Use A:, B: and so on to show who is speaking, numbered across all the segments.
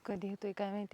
A: कधी येतोय काय माहिती.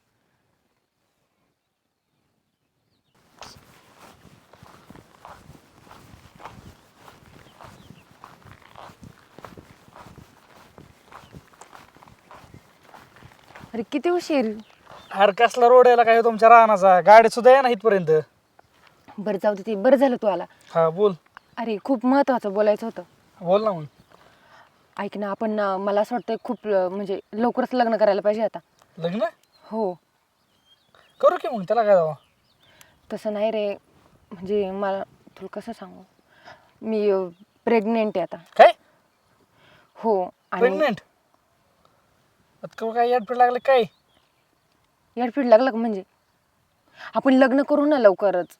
A: अरे किती उशीर.
B: अरे कसला रोड यायला काय तुमच्या रानाचा, गाडी सुद्धा या ना इथपर्यंत.
A: बरं जाऊ दे, ते बरं झालं तू आला.
B: हा बोल.
A: अरे खूप महत्वाचं बोलायचं होतं.
B: बोल ना मग.
A: ऐक ना, आपण मला असं वाटतं खूप म्हणजे लवकरच लग्न करायला पाहिजे आता.
B: लग्न
A: हो.
B: करू की मग, त्याला काय जावं.
A: तसं नाही रे, म्हणजे मला तुला कसं सांगू, मी प्रेग्नेंट आहे आता.
B: काय
A: हो. आणि
B: प्रेग्नेंट? काय याडपीड लागलं काय?
A: याडपीड लागलं का? म्हणजे आपण लग्न करू ना लवकरच.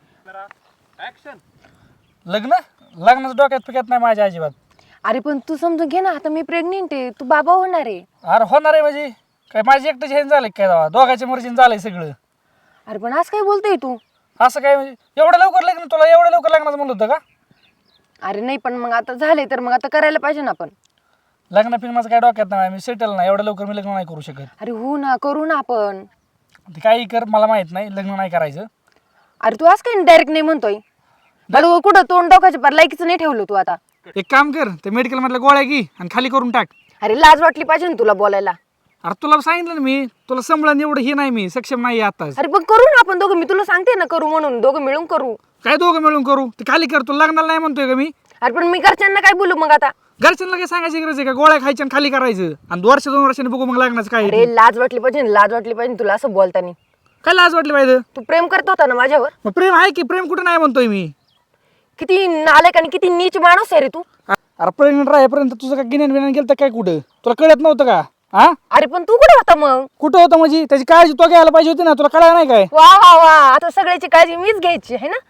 B: लग्न लग्नाचं डोक्यात पिकत नाही माझ्या अजिबात.
A: अरे पण तू समजून घे ना, आता मी प्रेग्नेंट आहे, तू बाबा होणार आहे.
B: अरे होणार आहे म्हणजे काय माझी एकट्याची हे झालं काय जावा, दोघांच्या मर्जीने झालंय सगळं.
A: अरे पण आज काय बोलतोय तू?
B: असं काय म्हणजे एवढं लवकर लग्न, तुला एवढं लवकर लग्नाचं म्हणलं होतं का?
A: अरे नाही, पण मग आता झाले तर मग आता करायला पाहिजे ना आपण.
B: लग्न फिल्म माझं काय डोक्यात नाही, मी सेटल नाही, एवढं लवकर मी लग्न नाही करू शकत.
A: अरे हो ना, करू ना आपण.
B: ते काही कर, मला माहित नाही, लग्न नाही करायचं.
A: अरे तू आज काय डायरेक्ट नाही म्हणतोय? बरं कुठं तोंड डोकायच्या पार लायकीचं नाही ठेवलं तू आता.
B: एक काम कर, ते मेडिकल मधल्या गोळ्या घे आणि खाली करून टाक.
A: अरे लाज वाटली पाहिजे ना तुला बोलायला.
B: अरे तुला सांगितलं ना मी, तुला संभळण एवढं हे नाही, मी सक्षम नाही आताच.
A: अरे पण करू ना आपण दोघं, मी तुला सांगते ना करू म्हणून, दोघं मिळून करू.
B: काय दोघं मिळून करू? ते खाली कर, तुला लग्नाला नाही म्हणतोय का मी.
A: अरे पण मी घरच्यांना काय बोलू मग आता?
B: घरच्यांना काय सांगायची गरज आहे का? गोळ्या खायच्या आणि खाली करायचं आणि वर्ष 2 वर्षांनी बघू मग लग्नाचं काय.
A: अरे लाज वाटली पाहिजे ना, लाज वाटली पाहिजे तुला असं बोलतानी.
B: काय लाज वाटली पाहिजे?
A: तू प्रेम करत होता ना माझ्यावर.
B: मग प्रेम आहे की, प्रेम कुठं नाही म्हणतोय मी.
A: किती नालायक आणि किती नीच माणूस आहे रे तू.
B: अरे प्रेग्नेंट राहेपर्यंत तुझं काय गिन्यान बिन्यान गेलं तर काय कुठं? तुला कळत नव्हतं का? हा
A: अरे पण तू कुठे होता मग?
B: कुठं होतं म्हणजे? त्याची काळजी तो घ्यायला पाहिजे होती ना, तुला कळलं नाही काय?
A: वा वा वा, आता सगळ्याची काळजी मीच घ्यायची आहे ना.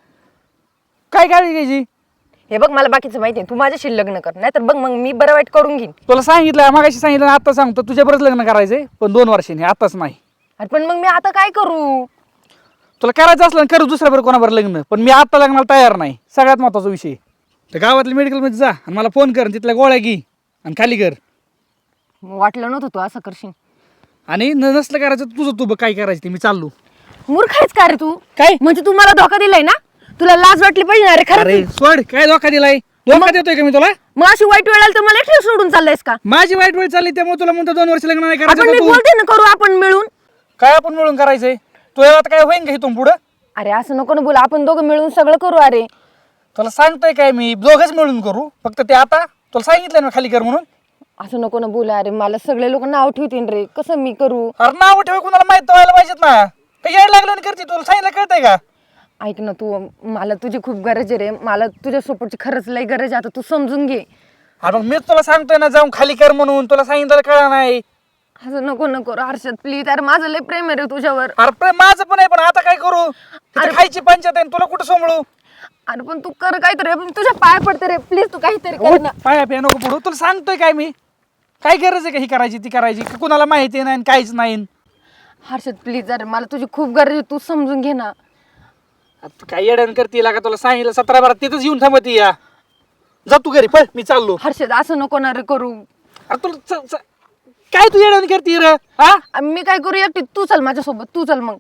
B: काय काळजी घ्यायची?
A: हे बघ मला बाकीचं माहिती आहे, तू माझ्याशी लग्न कर, नाहीतर बघ मग मी बरं वाईट करून घेईन.
B: तुला सांगितलं, मागाशी सांगितलं, आता सांगतो तुझ्या बरंच लग्न करायचंय, पण 2 वर्षांनी, आताच नाही.
A: अरे पण मग मी आता काय करू?
B: तुला करायचं असलं करू दुसऱ्या बरं कोणाबरोबर लग्न, पण मी आता लग्नाला तयार नाही. सगळ्यात महत्वाचा विषय. तर गावातल्या मेडिकलमध्ये जा आणि मला फोन कर, तिथल्या गोळ्या घे आणि खाली कर.
A: वाटलं नव्हतं तू असं करशील.
B: आणि नसलं करायचं तुझं, तू बघ काय करायचं ते, मी चाललो.
A: मूर्ख आहेस का रे तू?
B: काय
A: म्हणजे तू मला धोका दिलाय ना? तुला लाज वाटली पाहिजे ना. अरे
B: अरे
A: खरं
B: सोड, काय धोका दिलाय? धोका देतोय का मी तुला?
A: मग अशी वाईट वेळ आली तर मला एकटं सोडून चाललायस का?
B: माझी वाईट वेळ चालली त्यामुळे तुला म्हणतो 2 वर्ष लग्न नाही
A: आपण मी
B: करायचं.
A: बोलते ना करू आपण मिळून.
B: काय आपण मिळून करायचंय? तुझ्या आता काय होईन का इथून पुढं?
A: अरे असं नको ना बोला, आपण दोघं मिळून सगळं करू. अरे
B: तुला सांगतोय काय मी, दोघंच मिळून करू. फक्त ते आता तुला सांगितलं ना खाली कर म्हणून.
A: असं नको ना बोला. अरे मला सगळे लोक नाव ठेवतील रे, कसं मी करू?
B: अरे नाव ठेवा, कुणाला माहित व्हायला पाहिजेत ना. काही यायला लागलं करते, तुला सांगितलं कळतंय का?
A: ऐक ना तू, मला तुझी खूप गरज आहे रे, मला तुझ्या सपोर्टची खरंच लई गरज आहे. आता तू समजून घे.
B: अरे मीच तुला सांगतोय ना जाऊन खाली कर म्हणून, तुला सांगितलं कळलं नाही.
A: असं नको नको हर्षद प्लीज. अरे माझं लय प्रेम आहे रे तुझ्यावर.
B: अरे माझं पण आहे, पण आता काय करू? इथं खायची पंचायत आहे, तुला कुठं सोमळू?
A: अरे पण तू कर काहीतरी, पण तुझ्या पाय पडते रे प्लीज, तू काहीतरी कर ना.
B: पाया पिया नको पडू, तुला सांगतोय काय मी. काय गरज आहे का ही करायची ती करायची? कुणाला माहिती नाही काहीच नाही.
A: हर्षद प्लीज, अरे मला तुझी खूप गरज आहे, तू समजून घे ना.
B: तू काय येड्यान करते का? तुला सांगितलं 17-12 तिथंच येऊन थांबती या. जा तू घरी, पळ, मी चाललो.
A: हर्षद असं नको ना रे करू.
B: अरे तुला काय तू येड्यान करते रे? हा
A: मी काय करू एकटी? तू चल माझ्यासोबत, तू चल मग.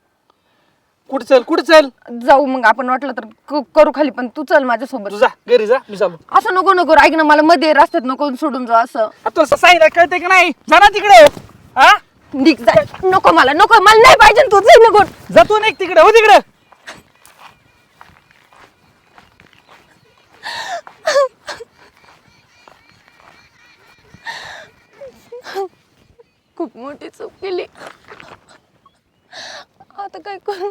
B: कुठं चल, कुठं चल?
A: जाऊ मग आपण, वाटलं तर करू खाली, पण तू चल माझ्यासोबत.
B: तू जा घरी, जा, मी चाललो.
A: असं नको नको, ऐक ना, मला मध्ये रस्त्यात नको सोडून जा. असं
B: तुला सांगितलं कळतंय का नाही? जा ना तिकडे. हा
A: निघ जा. नको मला, नको मला नाही पाहिजे तू, जाई नको.
B: जा तू, नाही तिकडे, हो तिकडे.
A: खूप मोठी चूक केली, आता काय करू?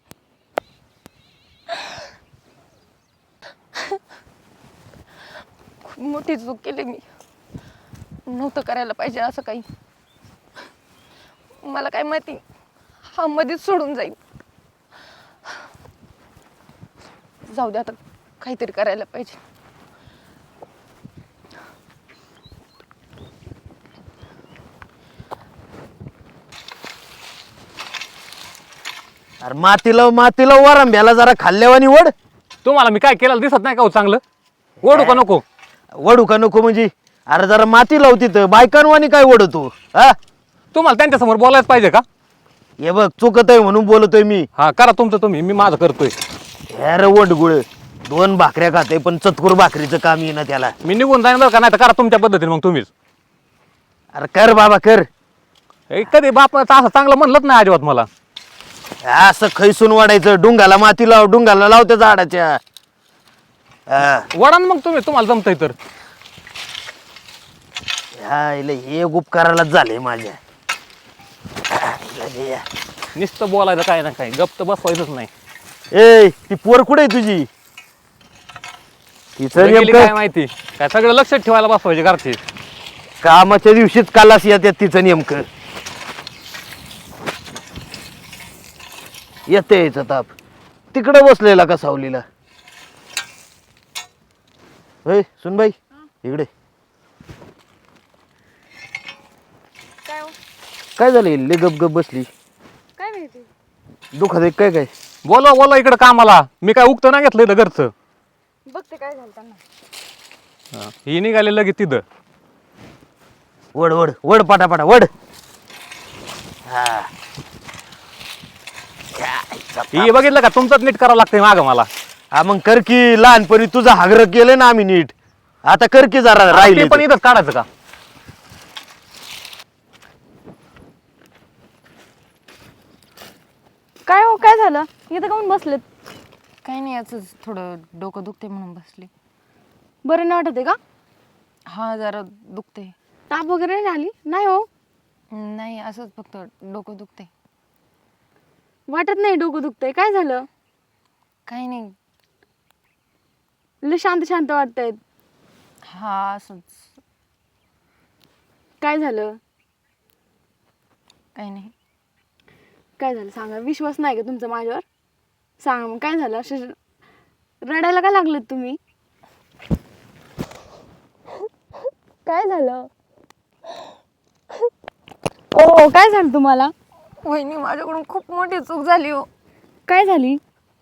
A: खूप मोठी चूक केली मी, नव्हतं करायला पाहिजे असं काही. मला काय माहिती हा मध्येच सोडून जाईल. जाऊ दे, आता काहीतरी करायला पाहिजे.
C: अरे मातीला वरंब्याला जरा खाल्ल्यावानी वड.
D: तुम्हाला मी काय केलं दिसत नाही का हो चांगलं? ओढू का नको?
C: वडू का नको म्हणजे? अरे जरा माती लावती तर बायकांवानी काय वडतो? हा
D: तुम्हाला त्यांच्यासमोर बोलायच पाहिजे का?
C: हे बघ चुकत आहे म्हणून बोलतोय मी.
D: हा करा तुमचं तुम्ही, मी माझं करतोय.
C: अरे वडगुळ 2 भाकऱ्या खाते पण चतकुर भाकरीचं काम येईना त्याला.
D: मी निघून जाईन बरं का, नाही तर करा तुमच्या पद्धतीने मग तुम्हीच.
C: अरे कर बाबा कर.
D: कधी बापाचं असं चांगलं म्हणलंच नाही अजिबात मला.
C: असं खैसून वाढायचं. डुंगाला माती लाव, डुंगाला लाव त्या झाडाच्या. हा.
D: वडा ना मग तुम्ही, तुम्हाला जमतंय तर.
C: हा, इले हे उपकारालाच झाले माझ्या. लगे या.
D: नुसतं बोलायचं काय ना काय, गप्प तर बसवायचंच नाही.
C: ए ती पोर कुठे आहे तुझी? तिचं
D: कुठे गेली काय
C: नेमकं
D: माहिती, काय सगळं लक्षात ठेवायला बसवायचे घरचे.
C: कामाच्या दिवशीच कालास येतात तिचं नेमकं. येते यायचं ताप. तिकडे बसलेला का सावलीला? होय सुनबाई इकडे.
E: काय हो?
C: काय झालं इल्ले गप गप बसली?
E: काय माहिती?
C: दुखत आहे काय काय?
D: बोला बोला इकडं कामाला, मी काय उगतं ना घेतलं इथं घरचं.
E: बघते काय झालं त्यांना.
D: ही निघाले लगेच तिथं.
C: वड वड वड पाटापाटा वड. हा.
D: ही बघितलं का, तुमचंच नीट करावं लागतंय मागं मला.
C: हा मग कर की. लहानपणी तुझं हागर केलं ना आम्ही नीट. आता कर की जरा
D: ते
C: राहिले.
D: पण इथंच काढायचं का?
E: काय हो काय झालं? इथं काऊन बसलेत?
A: काही नाही, असंच थोडं डोकं दुखते म्हणून बसले.
E: बरं नाही वाटत आहे का?
A: हा जरा दुखते.
E: ताप वगैरे नाही आली? नाही हो,
A: नाही असंच फक्त डोकं दुखते.
E: वाटत नाही डोकं दुखतंय. काय झालं?
A: काही नाही.
E: लय शांत शांत वाटतंय.
A: हा असंच.
E: काय झालं?
A: काही नाही.
E: काय झालं सांगा. विश्वास नाही का तुमचा माझ्यावर? सांगा मग काय झालं? असे रडायला का लागलेत तुम्ही? काय झालं? ओ काय झालं तुम्हाला?
A: वहिनी माझ्याकडून खूप मोठी चूक झाली हो.
E: काय झाली?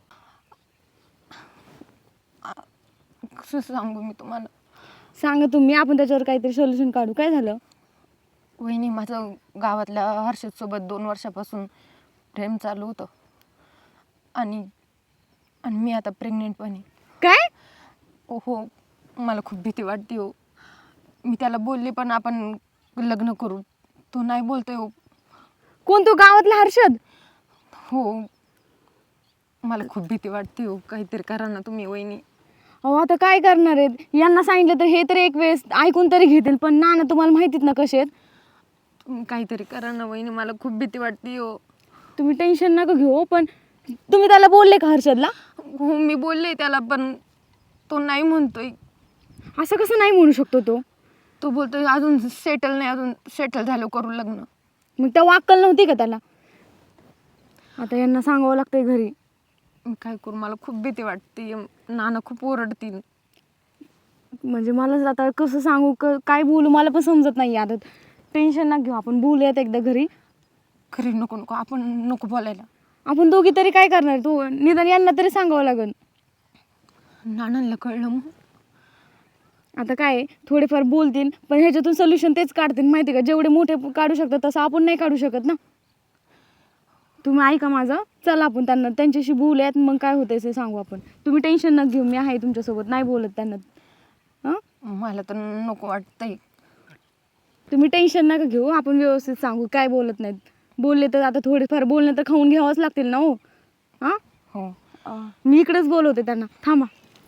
A: कसं सांगू मी तुम्हाला.
E: सांगा तुम्ही, आपण त्याच्यावर काहीतरी सोल्युशन काढू. काय झालं?
A: वहिनी माझं गावातल्या हर्षदसोबत 2 वर्षापासून प्रेम चालू होतं. आणि आणि मी आता प्रेग्नेंट पण आहे.
E: काय?
A: हो, मला खूप भीती वाटते हो. मी त्याला बोलले पण आपण लग्न करू. तो नाही बोलतोय हो.
E: कोण तो गावातला हर्षद?
A: हो, मला खूप भीती वाटते हो. काहीतरी करा ना तुम्ही वहिनी.
E: अहो आता काय करणार आहेत? यांना सांगितलं तर हे तरी एक वेळेस ऐकून तरी घेतील, पण ना तुम्हाला माहितीत ना कसे आहेत.
A: तुम्ही काहीतरी करा ना वहिनी, मला खूप भीती वाटते हो.
E: तुम्ही टेन्शन नका घेऊ, पण तुम्ही त्याला बोलले का हर्षदला?
A: हो मी बोलले त्याला, पण तो नाही म्हणतोय.
E: असं कसं नाही म्हणू शकतो तो?
A: तो बोलतोय अजून सेटल नाही, अजून सेटल झालं करू लग्न.
E: मग त्या अक्कल नव्हती का त्याला? आता यांना सांगावं लागतंय घरी.
A: मी काय करू, मला खूप भीती वाटते. नाना खूप ओरडतील.
E: म्हणजे मला आता कसं सांगू, काय बोलू मला पण समजत नाही. आता टेन्शन ना घेऊ, आपण बोलूयात एकदा घरी.
A: खरे नको नको, आपण नको बोलायला.
E: आपण दोघी तरी काय करणार? तू निदान यांना तरी सांगावं लागेल.
A: नानांना कळलं मग.
E: आता काय थोडेफार बोलतील, पण ह्याच्यातून सोल्युशन तेच काढतील माहिती का. जेवढे मोठे काढू शकतात तसं आपण नाही काढू शकत ना. तुम्ही ऐका माझं, चला आपण त्यांच्याशी बोलूयात. मग काय होतंय ते सांगू आपण. तुम्ही टेन्शन नका घेऊ, मी आहे तुमच्यासोबत. नाही बोलत त्यांना. हां
A: मला तर नको वाटतंय.
E: तुम्ही टेन्शन नका घेऊ, आपण व्यवस्थित सांगू. काय बोलत नाहीत. बोलले तर आता थोडेफार बोलणे तर खाऊन घ्यावंच लागतील ना हो. हां
A: हो.
E: मी इकडेच बोलवते त्यांना. थांबा.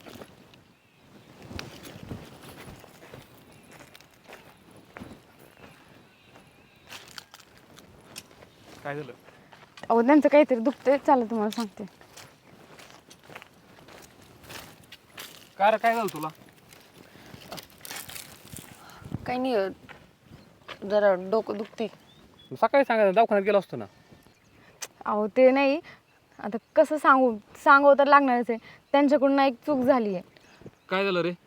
D: काय झालं?
E: अहो त्यांचं काहीतरी दुखतंय. चला तुम्हाला सांगते.
D: काय रे, काय झालं तुला?
A: काही नाही, जरा डोकं दुखते.
D: सकाळी सांगायचं, दवाखान्यात गेलो असतो ना.
E: अहो ते नाही, आता कसं सांगावं तर लागणारच आहे. त्यांच्याकडून एक चूक झाली आहे.
D: काय झालं रे?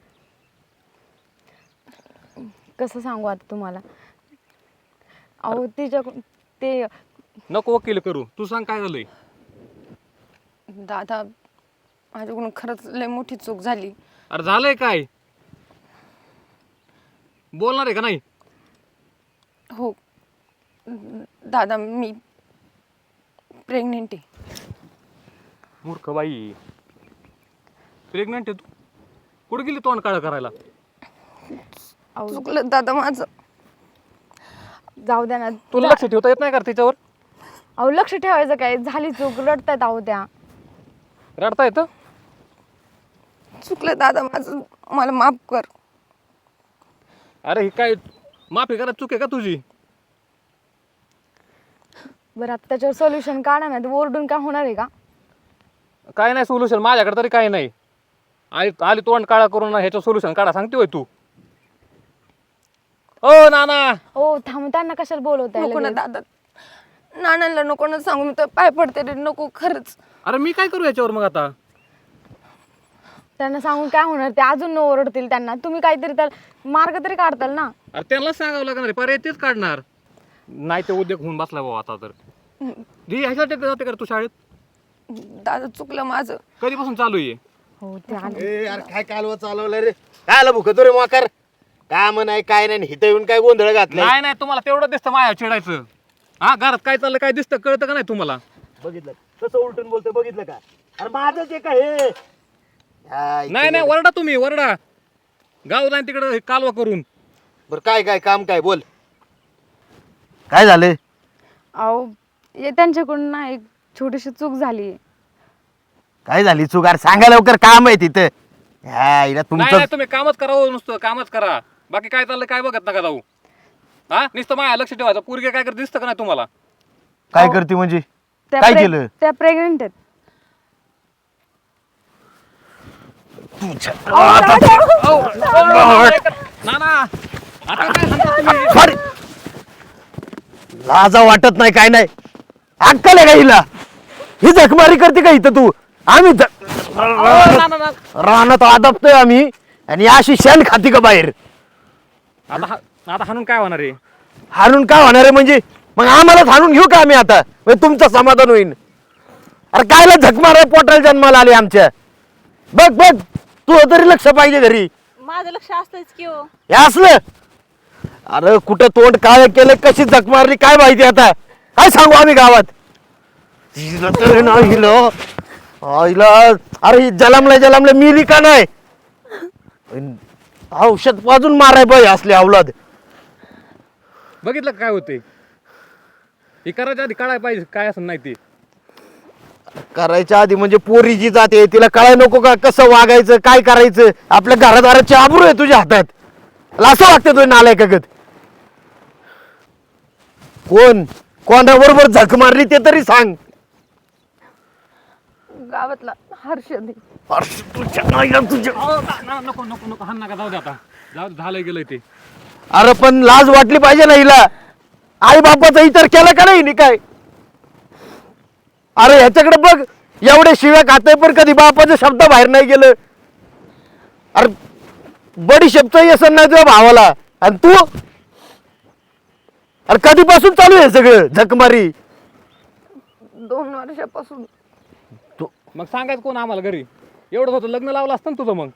E: कसं सांगू आता तुम्हाला. अहो तिच्याकडून ते
D: नको वकील करू, तू सांग काय झालंय.
A: दादा माझ्याकडून खरंच लय मोठी चूक झाली.
D: अरे झालंय काय? बोलणार आहे का नाही?
A: हो दादा मी प्रेग्नेंट आहे.
D: मूर्ख बाई, प्रेग्नंट आहे तू? कुठे गेली तोंड काळं करायला?
A: चुकलं दादा माझं.
E: जाऊ द्या ना.
D: तुला लक्ष ठेवता येत नाही का तिच्यावर?
E: अहो लक्ष ठेवायचं काय, झाली चूक, रडतायत अहो त्या.
D: रडता येतं?
A: चुकलं दादा माझं, मला माफ कर.
D: अरे ही काय माफी करा, चूक आहे का तुझी?
E: बरं आता त्याच्यावर सोल्युशन काढा ना, ओरडून काय होणार आहे का?
D: काय नाही सोल्युशन माझ्याकडे तरी काही नाही. आली तोंड काळा करून ह्याचं सोल्युशन काढा सांगते होय तू? ओ नाना,
E: हो थांब, त्यांना कशाला बोलवताय
A: नको ना
E: लगेच?
A: दादा, नानांना नको ना सांगू, मी तर पाय पडते रे, नको खरंच.
D: अरे मी काय करू याच्यावर मग आता?
E: त्यांना सांगून काय होणार, ते अजून ओरडतील त्यांना. तुम्ही काहीतरी त्याला मार्ग तरी काढताल ना.
D: अरे त्यांना सांगावं लागणार आहे, पर्याय तेच काढणार. नाही ते उद्योग होऊन बसला भाऊ आता तर. ह्याच्यासाठी जाते का तू शाळेत?
A: दादा चुकलं माझं.
D: कधीपासून चालू आहे?
E: हो ते आले.
C: ए यार काय कालवा चालवलं रे? काय आलं भुकतो रे मोकार? काम नाही काय नाही, हिथं येऊन काय गोंधळ घातलाय?
D: नाही नाही, तुम्हाला तेवढं दिसतं माया चिडायचं. हा, घरात काय चाललं काय दिसतं कळतं का नाही तुम्हाला?
C: बघितलं कसं उलटून बोलतोय, बघितलं का? अरे माझंच आहे का हे?
D: नाही नाही, वरडा तुम्ही, वरडा. गाव जाईन तिकडे कालवा करून.
C: बरं काय काय काम काय बोल, काय झालं?
E: अहो हे त्यांच्याकडून ना एक छोटीशी चूक झाली.
C: काय झाली चूक? अरे सांगा लवकर, काम आहे तिथं. ह्या इला
D: नाही
C: तुमचं
D: नाही, तुम्ही कामच करा हो, नुसतं कामच करा. बाकी काय चाललं काय बघत नका जाऊ. हा, नुसतं माया लक्ष ठेवायचं. पोरगे काय करत दिसतं का नाही तुम्हाला?
C: काय करते म्हणजे?
E: त्या
C: काय केलं?
E: त्या प्रेग्नेंट आहेत.
D: नाना, आता काय सांगता तुम्ही?
C: सॉरी, लाजा वाटत नाही काय नाही, अक्कल आहे का हिला? ही जखमारी करते का इथं तू? आम्ही
D: नाना,
C: रानात आदबतोय आम्ही आणि अशी शेण खाती का बाहेर?
D: आता हाणून काय होणार आहे?
C: हाणून काय होणार आहे म्हणजे? मग आम्हालाच हाणून घेऊ का आम्ही आता? म्हणजे तुमचं समाधान होईल? अरे कायला झक माराय, पोटाला जन्माला आले आमच्या. बघ बघ, तू तरी लक्ष पाहिजे घरी.
F: माझं लक्ष असतंच की हो.
C: हे असलं, अरे कुठं तोंड काय केलं, कशी झक मारली काय माहिती आता? काय सांगू आम्ही गावात? हिला तर नाही हिला. हिला अरे जलमलं मिली का नाही? औषध पाजून माराय पाहिजे असले अवलाद.
D: बघितलं का काय होते? हे करायच्या आधी काढायला पाहिजे काय असं नाही ते.
C: करायच्या आधी म्हणजे पोरी जी जाते तिला कळाय नको का कसं वागायचं, काय करायचं? आपल्या घरादाराची आबरू आहे तुझ्या हातात. असं वागतं तुझ्या नालायकागत. कोणाबरोबर झक मारली ते तरी सांग.
A: गावातला हर्षद आहे.
C: अरे तुझ्या नाईला तुझ्या.
D: नको नको नको, हाण नका, जाऊ दे आता. जाऊ दे, झालंय गेलंय ते.
C: अरे पण लाज वाटली पाहिजे ना हिला. आई बापाचा इतर केला का नाही काय? अरे ह्याच्याकडे बघ, एवढे शिव्या खाते पण कधी बापाचा शब्द बाहेर नाही गेलं. अरे बडी शब्द येसन नाही तुझ्या भावाला. आणि तू अरे कधीपासून चालू आहे सगळं झकमारी?
A: 2 वर्षापासून.
D: मग सांगायचं कोण आम्हाला घरी? एवढं होतं लग्न लावलं असतं ना तुझं. मग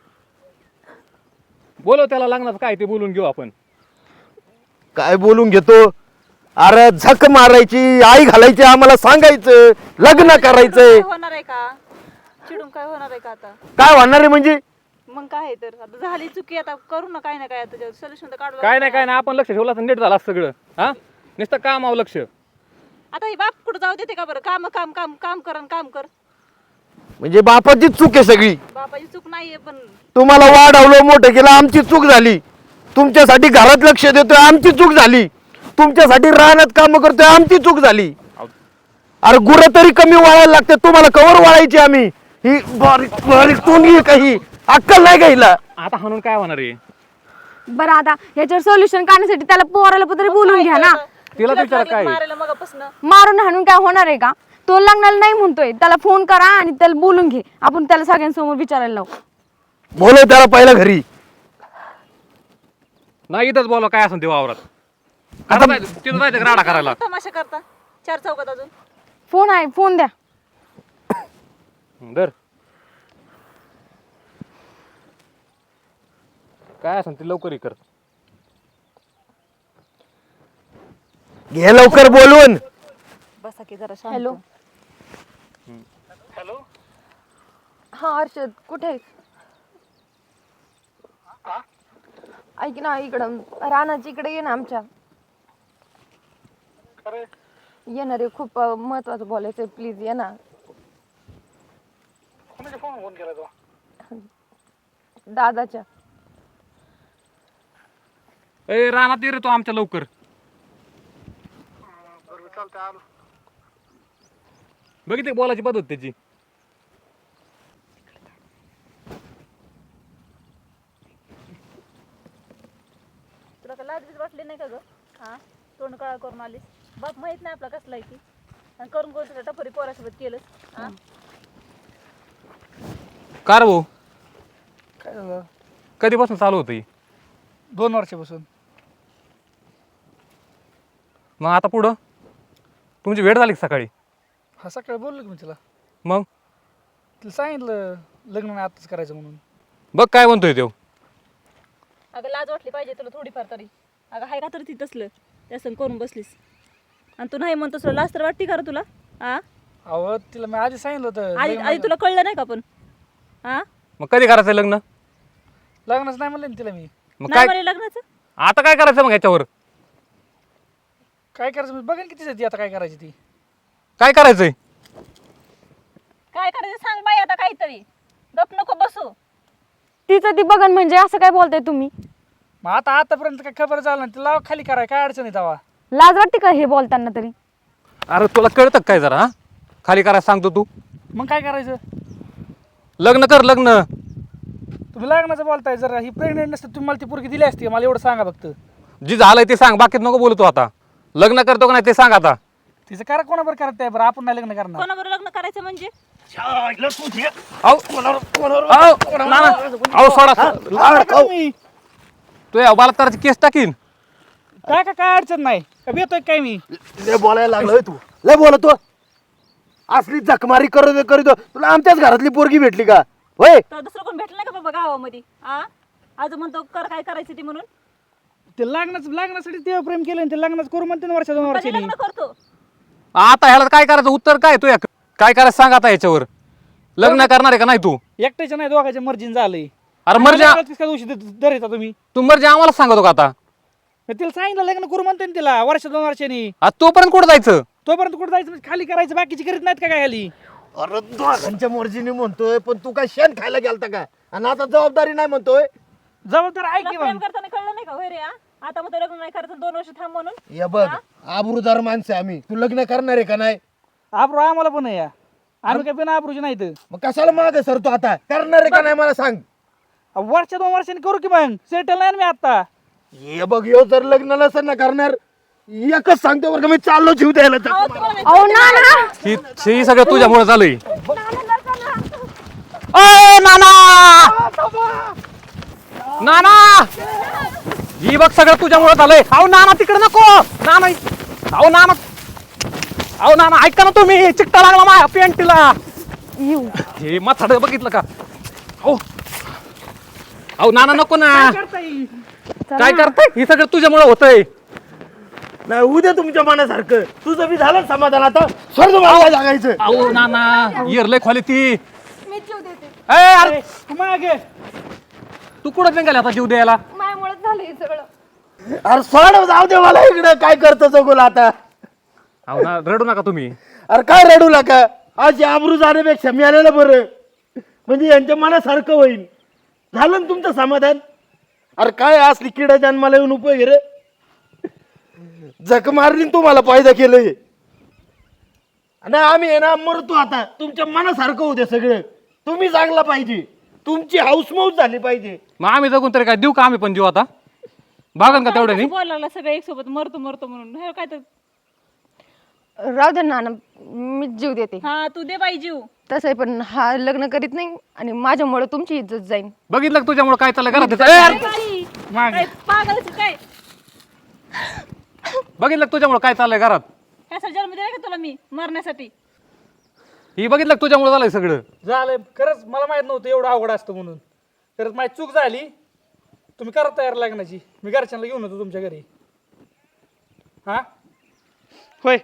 D: बोलव त्याला, लग्नाचं काय ते बोलून घेऊ आपण.
C: काय बोलून घेतो? अरे झक मारायची, आई घालायची, आम्हाला सांगायचं लग्न करायचंय.
F: काय होणार आहे का? चिडून काय होणार आहे का आता?
C: काय होणार आहे म्हणजे?
F: मग काय आहे तर आता झाली चुकी, आता करू ना काय ना काय, आता सोल्युशन तर काढू.
D: काय नाही आपण लक्ष ठेवलं तर नीट झालं असतं सगळं. हा, नुसतं कामावं लक्ष.
F: आता ही बाप कुठं जाऊ देते का बरं? काम काम काम काम कर आणि काम कर.
C: म्हणजे बापाची चूक आहे सगळी.
F: बापाची चूक नाहीये, पण
C: तुम्हाला वाढवलं, मोठं केलं, आमची चूक झाली. तुमच्यासाठी घरात लक्ष देतोय, आमची चूक झाली. तुमच्यासाठी रानात काम करतोय, आमची चूक झाली. अरे गुरं तरी कमी वाळायला लागते, तुम्हाला कवर वाळायची आम्ही? ही बारीक बारीक तोंडी काही अक्कल नाही का हिला?
D: आता हाणून काय होणार आहे?
E: बरं आता ह्याच्यावर सोल्युशन काढण्यासाठी त्याला पोराला तरी बोलून घ्या ना.
D: तिला विचार काय?
F: मारायला मगापासून
E: मारून हाणून काय होणार आहे का? तो लग्नाला नाही म्हणतोय, त्याला फोन करा आणि त्याला बोलून घे. आपण त्याला सगळ्यांसमोर विचारायला लावू.
C: बोलव त्याला पहिला घरी.
D: नाही इथंच बोला काय असं ते वावरात. तिथं जायचं राडा करायला.
F: तमाशा करता 4 चौकात अजून.
E: फोन आहे, फोन द्या.
D: दर काय असं ते लवकर कर.
C: घे लवकर बोलवून.
F: बसा की जरा शांत.
A: हॅलो हा हर्षद कुठे आहेस? ऐक ना इकडं रानाची इकडे ये ना आमच्या. येणार रे खूप महत्वाचं बोलायचं आहे प्लीज ये ना. दादाच्या.
D: ए रानात ये रे तू आमच्या लवकर. बघितली बोलायची पद्धत त्याची.
F: तुला काय लाज बीज वाटली नाही का ग? हा तोंड काळा करून आलीस. बाप माहित नाही आपला कसला आहे ती. आणि करून करून तुला टपरी पोरासोबत केलंस. हा
D: का रे भाऊ
B: काय झालं?
D: कधीपासून चालू होतं ही?
B: 2 वर्षापासून.
D: मग आता पुढं तुमची वेळ झाली का सकाळी?
B: हा सकाळी बोललो की मी तिला.
D: मग
B: तिला सांगितलं लग्न नाही आताच करायचं म्हणून.
D: बघ काय म्हणतोय तो.
F: अगं लाज वाटली पाहिजे तुला थोडीफार तरी. अगं हाय का तरी ती तसलं त्या संग करून बसलीस. आणि तू नाही म्हणतोस तुला लाज तर वाटते का रे तुला? हा
B: अहो तिला मी आधी सांगितलं होतं
F: आधी
B: लग्न-
F: आधी तुला कळलं नाही का पण? हा
D: मग कधी करायचं लग्न?
B: लग्नच नाही म्हणलं ना तिला मी.
D: मग
F: नाही
D: काय
F: म्हणे लग्नाचं?
D: आता काय करायचं मग ह्याच्यावर?
B: काय करायचं मी बघेन किती ती आता काय करायची ती.
D: काय करायचंय?
F: काय करायचं सांग बाई आता काहीतरी. गप नको बसू.
E: तिचं ती बघन म्हणजे असं काय बोलताय तुम्ही?
B: मग आतापर्यंत काय खबर झालं नाही तिला लाव खाली कराय काय अडचण आहे तेव्हा.
E: लाज वाटते का हे बोलताना तरी?
D: अरे तुला कळतं का काय जरा? हा खाली करायला सांगतो तू.
B: मग काय करायचं?
D: लग्न कर लग्न.
B: तुम्ही लग्नाचं बोलताय जरा ही प्रेग्नेंट नसते तुम्ही मला ती पोरगी दिली असती मला एवढं सांगा फक्त.
D: जी झालंय ते सांग, बाकीत नको बोलतो आता. लग्न करतो का नाही ते सांग आता.
B: तिचं करा कोणाबरोबर करत आहे बरं आपण नाही लग्न करणार.
F: कोणाबरोबर लग्न करायचं म्हणजे?
B: तुम्ही
D: तू या बलात्काराची केस टाकीन.
B: काय काय काय अडचण नाही का येतोय काय मी.
C: लय बोलायला लागलोय तू. लय बोलतो. असली जखमारी करीतो तुला आमच्याच घरातली पोरगी भेटली का? होय
F: तर दुसरं कोण भेटलं नाही का बाबा गावामध्ये? हा आज म्हणतो कर काय करायचं ती म्हणून.
B: ते लग्नासाठी ते प्रेम केलं आणि ते लग्नाचं करू म्हणते ना वर्षा 2
F: कधी
B: वर्षांनी.
F: लग्न करतो?
D: आता ह्याला काय करायचं? उत्तर काय तू काय करायचं सांग आता याच्यावर. लग्न करणार आहे का नाही तू?
B: एकट्याच्या नाही दोघांच्या मर्जीन झालंय.
D: अरे मर्जी
B: काय दिवशी धरायचा तुम्ही.
D: तू मर्जी आम्हाला सांगतो का आता?
B: मी तिला सांगितलं लग्न करू म्हणते ना तिला वर्ष 2 वर्षांनी.
D: आज तोपर्यंत कुठं जायचं?
B: तोपर्यंत कुठं जायचं म्हणजे खाली करायचं बाकीची करीत नाहीत का काय खाली.
C: अरे दोघांच्या मर्जीने म्हणतोय पण तू काय शेण खायला गेलता का? आणि आता जबाबदारी नाही म्हणतोय.
B: जबाबदार ऐक
F: तुला
B: की
F: प्रेम
B: मग.
F: करताना कळलं नाही का होय रे? हा? आता मग लग्न नाही करायचं 2 वर्ष थांब म्हणून.
C: हे बघ आबरूदार माणसं आहे आम्ही. तू लग्न करणार आहे का नाही?
B: आबरू आम्हाला पण आहे या. आम्ही काय बिना आबरूची नाही तर.
C: मग कशाला माग सर तू आता करणार आहे का नाही मला सांग.
B: वर्ष 2 वर्षांनी करू की मग सेटल नाही ना मी आता.
C: हे बघ यो जर लग्न नसेल ना करणार एकच सांगतो बरं का मी चाललो जीव द्यायला.
E: अहो ना ना
D: ही सगळं तुझ्यामुळे झालंय. नाना ही बघ सगळं तुझ्यामुळे झालंय. अहो नाना तिकडे नको. नाना अहो नाना अहो नाना ऐका ना तुम्ही. चिकटा लागला माझ्या पेंटीला. हे माथाड बघितलं का? हो अहो नाना नको ना. काय करताय? हे सगळं तुझ्यामुळे होतंय.
C: नाही उद्या तुमच्या मनासारखं तुझं बी झालं समाधान आता सर्व मला जागायचं.
D: अहो नाना येरलंय खोली ती.
A: मी जीव देते.
D: ए, अरे
B: मागे
D: तू कुठं निघाला आता जीव द्यायला?
A: माझ्यामुळेच झालं हे सगळं.
C: अरे सोड जाऊ दे मला इकडे काय करतो जगोला आता.
D: अहो ना रडू नका तुम्ही.
C: अरे काय रडू नका. आज आबरू जाण्यापेक्षा मी आलेलं बरं म्हणजे यांच्या मनासारखं होईल. झालं ना तुमचं समाधान. अरे काय असली किडा जन्माला येऊन उपयोग रे. जख मारली तुम्हाला फायदा केलंय. आणि आम्ही आहे ना मरतो आता. तुमच्या मनासारखं होते सगळं. तुम्ही चांगला पाहिजे. तुमची हाऊसमौज झाली पाहिजे.
D: मग आम्ही जगून तरी काय देऊ का आम्ही पण जीव आता? बागन का तेवढ्यानी?
F: बोलायला लागला सगळं एक सोबत मरतो मरतो म्हणून. हे काय तर
A: राहू दे नाना मी जीव देते.
F: हा तू दे बाई जीव.
A: तसं पण हा लग्न करीत नाही आणि माझ्यामुळे तुमची इज्जत जाईल.
D: बघितलं का तुझ्यामुळे काय चाललंय घरात? ए, अरे,
F: बाई,
B: मागे
F: काय पागलच काय?
D: बघितलं का तुझ्यामुळे काय चाललंय घरात?
F: ह्याचा जन्म दिला का तुला मी मरण्यासाठी?
D: ही बघितलं का तुझ्यामुळे झालंय सगळं?
B: झालंय खरंच मला माहित नव्हतं एवढं अवघड असतं म्हणून. खरंच माझी चूक झाली. तुम्ही करा तयार लग्नाची. मी घरच्यांना घेऊन होतो तुमच्या घरी. हा होय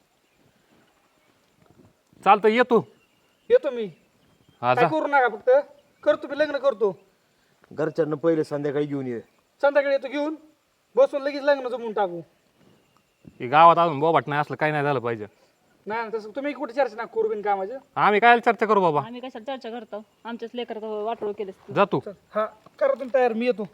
D: चालतं ये तू.
B: येतो मी.
D: हा
B: काय
D: जा.
B: करू नका, फक्त करतो मी, लग्न करतो.
C: घरच्यांना पहिले संध्याकाळी घेऊन ये.
B: संध्याकाळी येतो घेऊन, बसून लगेच लग्न जमून टाकू.
D: हे गावात अजून बोबाट नाही असलं काही नाही झालं पाहिजे.
B: नाही ना, तसं तुम्ही कुठे चर्चा ना करू बिन कामाचं.
D: आम्ही काय चर्चा करू बाबा.
F: आम्ही कशाला चर्चा करतो, आमच्याच लेकर वाटोळ केलेस तू.
D: जा तू.
B: हा करा तुम्ही तयार, मी येतो.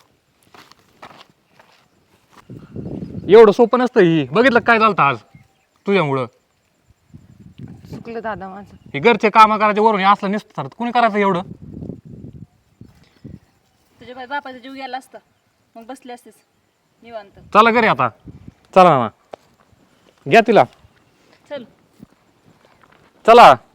D: एवढं सोपं नसतं ही. बघितलं काय झालं आज तुझ्यामुळं.
A: चुकलं दादा माझं.
D: हे घरचे कामं करायचे वरून हे असलं नसतं तर कुणी करायचं एवढं.
F: तुझ्या बापाचा जीव गेला असता मग बसले असतेस निवांत.
D: चला घरी आता. चला ना घ्या तिला.
F: चल.
D: चला.